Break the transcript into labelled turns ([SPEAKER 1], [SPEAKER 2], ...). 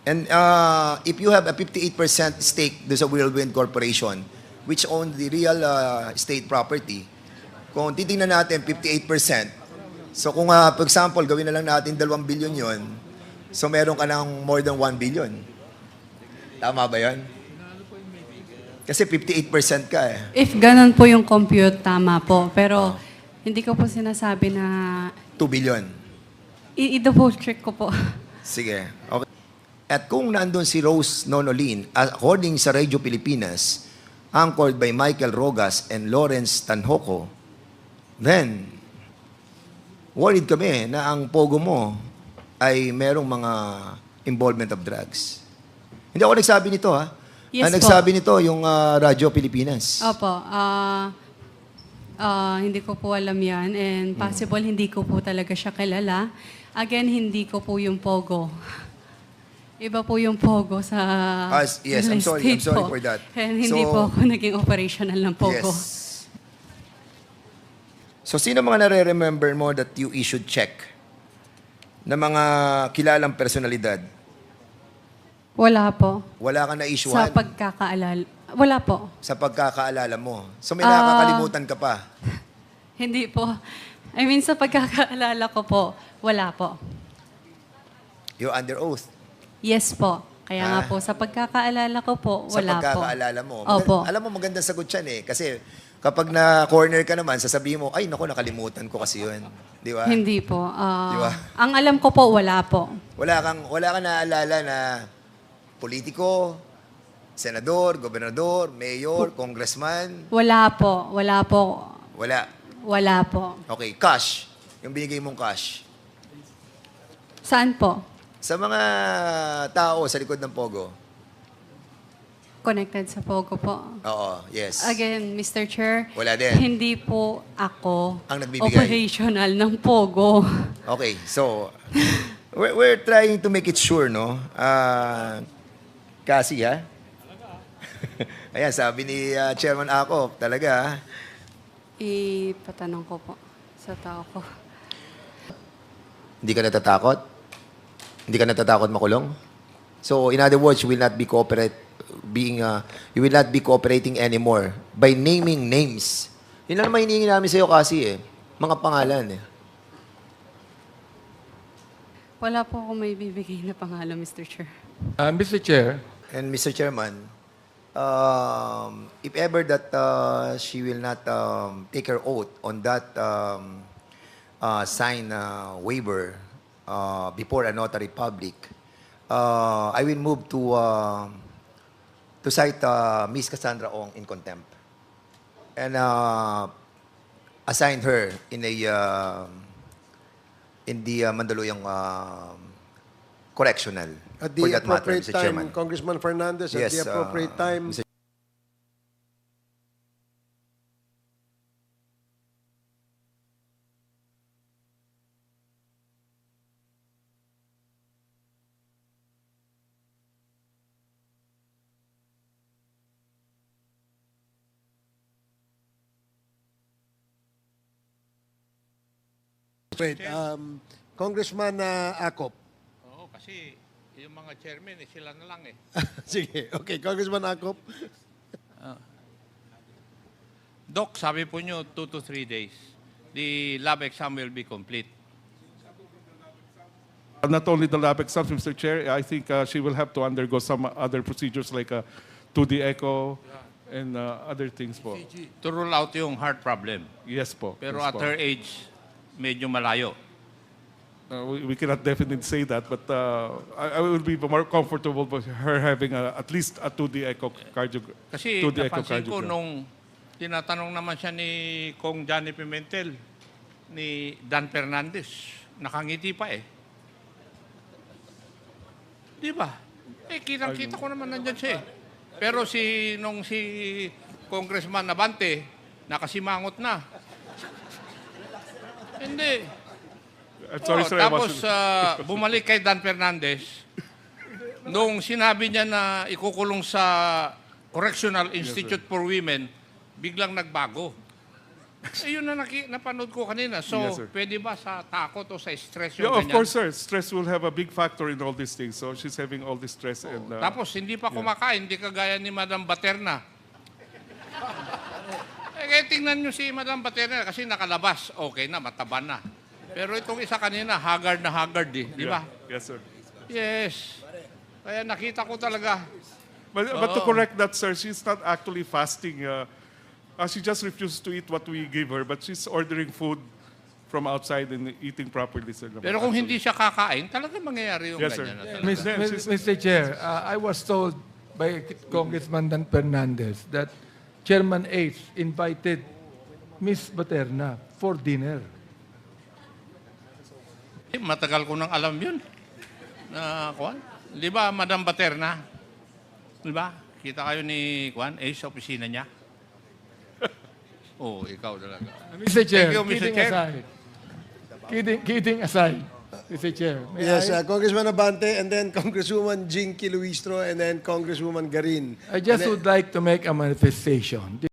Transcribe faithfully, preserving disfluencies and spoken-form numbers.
[SPEAKER 1] And uh, if you have a fifty-eight percent stake do sa Whirlwind Corporation, which owns the real uh, estate property, kung titingnan natin fifty-eight percent, so kung uh, for example, gawin na lang natin dalawang billion yon, so meron ka ng more than one billion. Tama ba yun? Kasi fifty-eight percent ka eh.
[SPEAKER 2] If ganun po yung compute, tama po. Pero hindi ko po sinasabi na
[SPEAKER 1] two billion.
[SPEAKER 2] i- i-double check ko po.
[SPEAKER 1] Sige. Okay. At kung nandun si Rose Nonolin, according sa Radio Pilipinas, anchored by Michael Rogas and Lawrence Tanhoco, then, worried kami na ang pogo mo ay merong mga involvement of drugs. Hindi ako nagsabi nito, ha?
[SPEAKER 2] Yes
[SPEAKER 1] Ang
[SPEAKER 2] po.
[SPEAKER 1] nagsabi nito, yung uh, Radio Pilipinas.
[SPEAKER 2] Opo. ah ah, hindi ko po alam yan. And possible hindi ko po talaga siya kilala. Again, hindi ko po yung Pogo. Iba po yung Pogo sa
[SPEAKER 1] Ah, yes, I'm
[SPEAKER 2] real
[SPEAKER 1] sorry, I'm
[SPEAKER 2] estate
[SPEAKER 1] sorry
[SPEAKER 2] po.
[SPEAKER 1] for that.
[SPEAKER 2] And hindi
[SPEAKER 1] So-
[SPEAKER 2] po ako naging operational ng Pogo.
[SPEAKER 1] Yes. So, sino mga nare-remember mo that you issued check na mga kilalang personalidad?
[SPEAKER 2] Wala po.
[SPEAKER 1] Wala ka
[SPEAKER 2] Sa
[SPEAKER 1] na-issuehan
[SPEAKER 2] pagkakaalala. Wala po.
[SPEAKER 1] sa pagkakaalala mo. So, may
[SPEAKER 2] Ah.
[SPEAKER 1] nakakalimutan ka pa.
[SPEAKER 2] Hindi po. I mean, sa pagkakaalala ko po, wala po.
[SPEAKER 1] You're under oath.
[SPEAKER 2] Yes po. Kaya nga
[SPEAKER 1] Ah.
[SPEAKER 2] po, sa pagkakaalala ko po,
[SPEAKER 1] Sa
[SPEAKER 2] wala po.
[SPEAKER 1] pagkakaalala mo.
[SPEAKER 2] Opo.
[SPEAKER 1] Alam mo, magandang sagot yan eh. Kasi kapag na-corner ka naman, sasabihin mo, ay, naku, nakalimutan ko kasi yun. Di ba?
[SPEAKER 2] Hindi po. Ah,
[SPEAKER 1] Di ba?
[SPEAKER 2] Ang alam ko po, wala po.
[SPEAKER 1] Wala kang, wala kang naaalala na politiko, senador, gobernador, mayor, congressman.
[SPEAKER 2] Wala po. Wala po.
[SPEAKER 1] Wala.
[SPEAKER 2] Wala po.
[SPEAKER 1] Okay, cash. Yung binigay mong cash.
[SPEAKER 2] Saan po?
[SPEAKER 1] Sa mga tao sa likod ng Pogo.
[SPEAKER 2] Connected sa Pogo po.
[SPEAKER 1] Oo, yes.
[SPEAKER 2] Again, Mister Chair,
[SPEAKER 1] Wala din.
[SPEAKER 2] hindi po ako
[SPEAKER 1] Ang nagbibigay.
[SPEAKER 2] operational ng Pogo.
[SPEAKER 1] Okay, so, we're, we're trying to make it sure, no? Ah, kasi, ha? Ayan, sabi ni ah, Chairman Ako, talaga, ha?
[SPEAKER 2] Ipatanong ko po sa tao ko.
[SPEAKER 1] Hindi ka natatakot? Hindi ka natatakot makulong? So, in other words, you will not be cooperate, being, uh, you will not be cooperating anymore by naming names. Yun lang naman hinihingi namin sa'yo kasi, eh. Mga pangalan, eh.
[SPEAKER 2] Wala po ako may bibigay na pangalan, Mister Chair.
[SPEAKER 3] Uh, Mister Chair,
[SPEAKER 1] And Mister Chairman, um, if ever that uh, she will not um, take her oath on that um, uh, sign uh, waiver uh, before a notary public, uh, I will move to uh, to cite uh, Miss Cassandra Ong in contempt and uh, assign her in a uh, in the uh, Mandaluyong uh, correctional.
[SPEAKER 4] At
[SPEAKER 1] for
[SPEAKER 4] the
[SPEAKER 1] that matter,
[SPEAKER 4] appropriate
[SPEAKER 1] Mister
[SPEAKER 4] time,
[SPEAKER 1] Chairman.
[SPEAKER 4] Congressman Fernandez, at
[SPEAKER 1] Yes,
[SPEAKER 4] the appropriate
[SPEAKER 1] uh,
[SPEAKER 4] time,
[SPEAKER 1] Mister
[SPEAKER 4] wait, um, Congressman uh, Acop.
[SPEAKER 5] Oo, kasi yung mga chairman, eh, sila na lang eh.
[SPEAKER 4] Sige, okay, Congressman Acop.
[SPEAKER 5] Doc, sabi po nyo, two to three days. The lab exam will be complete.
[SPEAKER 3] uh, not only the lab exams, Mister Chair, I think uh, she will have to undergo some other procedures like a two D echo and uh, other things po.
[SPEAKER 5] To rule out yung heart problem.
[SPEAKER 3] Yes po.
[SPEAKER 5] Pero
[SPEAKER 3] yes
[SPEAKER 5] at
[SPEAKER 3] po.
[SPEAKER 5] her age, medyo malayo.
[SPEAKER 3] Uh, we, we cannot definitely say that, but uh, I, I will be more comfortable with her having a, at least a two D echocardiogram.
[SPEAKER 5] Kasi
[SPEAKER 3] two D
[SPEAKER 5] napansin ko
[SPEAKER 3] echocardiogram.
[SPEAKER 5] nung tinatanong naman siya ni Kong Johnny Pimentel, ni Dan Fernandez, nakangiti pa eh. Di ba? Eh, kitang-kita ko naman nandyan siya eh. Pero si, nung si Congressman Nabante, nakasimangot na. Hindi.
[SPEAKER 3] I'm sorry,
[SPEAKER 5] Oh,
[SPEAKER 3] sir. I
[SPEAKER 5] tapos
[SPEAKER 3] wasn't-
[SPEAKER 5] ah, bumalik kay Dan Fernandez. Nung sinabi niya na ikukulong sa Correctional Institute for Women, biglang nagbago. Eh, yun na naki, napanood ko kanina. So,
[SPEAKER 3] Yes, sir.
[SPEAKER 5] pwede ba sa takot o sa stress yung
[SPEAKER 3] Yeah, of
[SPEAKER 5] ganyan?
[SPEAKER 3] course, sir. Stress will have a big factor in all these things. So she's having all this stress. and uh,
[SPEAKER 5] Tapos, hindi pa kumakain, hindi kagaya ni Madam Baterna. eh, kaya tingnan nyo si Madam Baterna kasi nakalabas. Okay na, mataba na. Pero itong isa kanina, haggard na haggard eh. Di ba?
[SPEAKER 3] yeah. Yes, sir.
[SPEAKER 5] Yes. Kaya nakita ko talaga.
[SPEAKER 3] But, but to correct that, sir, she's not actually fasting. Uh, uh, she just refuses to eat what we give her, but she's ordering food from outside and eating properly, sir.
[SPEAKER 5] Pero kung hindi siya kakain, talaga mangyayari yung
[SPEAKER 3] Yes, sir.
[SPEAKER 5] ganyan. na talaga.
[SPEAKER 6] Mis-
[SPEAKER 3] Then
[SPEAKER 6] Mis-
[SPEAKER 3] she's-
[SPEAKER 6] Mister Chair, uh, I was told by Congressman Dan Fernandez that Chairman H invited Miss Baterna for dinner.
[SPEAKER 5] Eh, matagal ko nang alam yun. Na, Kwan? Di ba, Madam Baterna? Di ba? Kita kayo ni Kwan, eh, sa opisina niya. Oo, oh, ikaw talaga.
[SPEAKER 6] Mister Chair,
[SPEAKER 5] Thank you, Mister
[SPEAKER 6] kidding
[SPEAKER 5] Chair.
[SPEAKER 6] aside. Kidding, kidding aside, Mister Chair. May
[SPEAKER 4] Yes,
[SPEAKER 6] I,
[SPEAKER 4] uh, Congressman Abante, and then Congresswoman Jinky Luistro, and then Congresswoman Garin.
[SPEAKER 6] I just
[SPEAKER 4] And then-
[SPEAKER 6] would like to make a manifestation.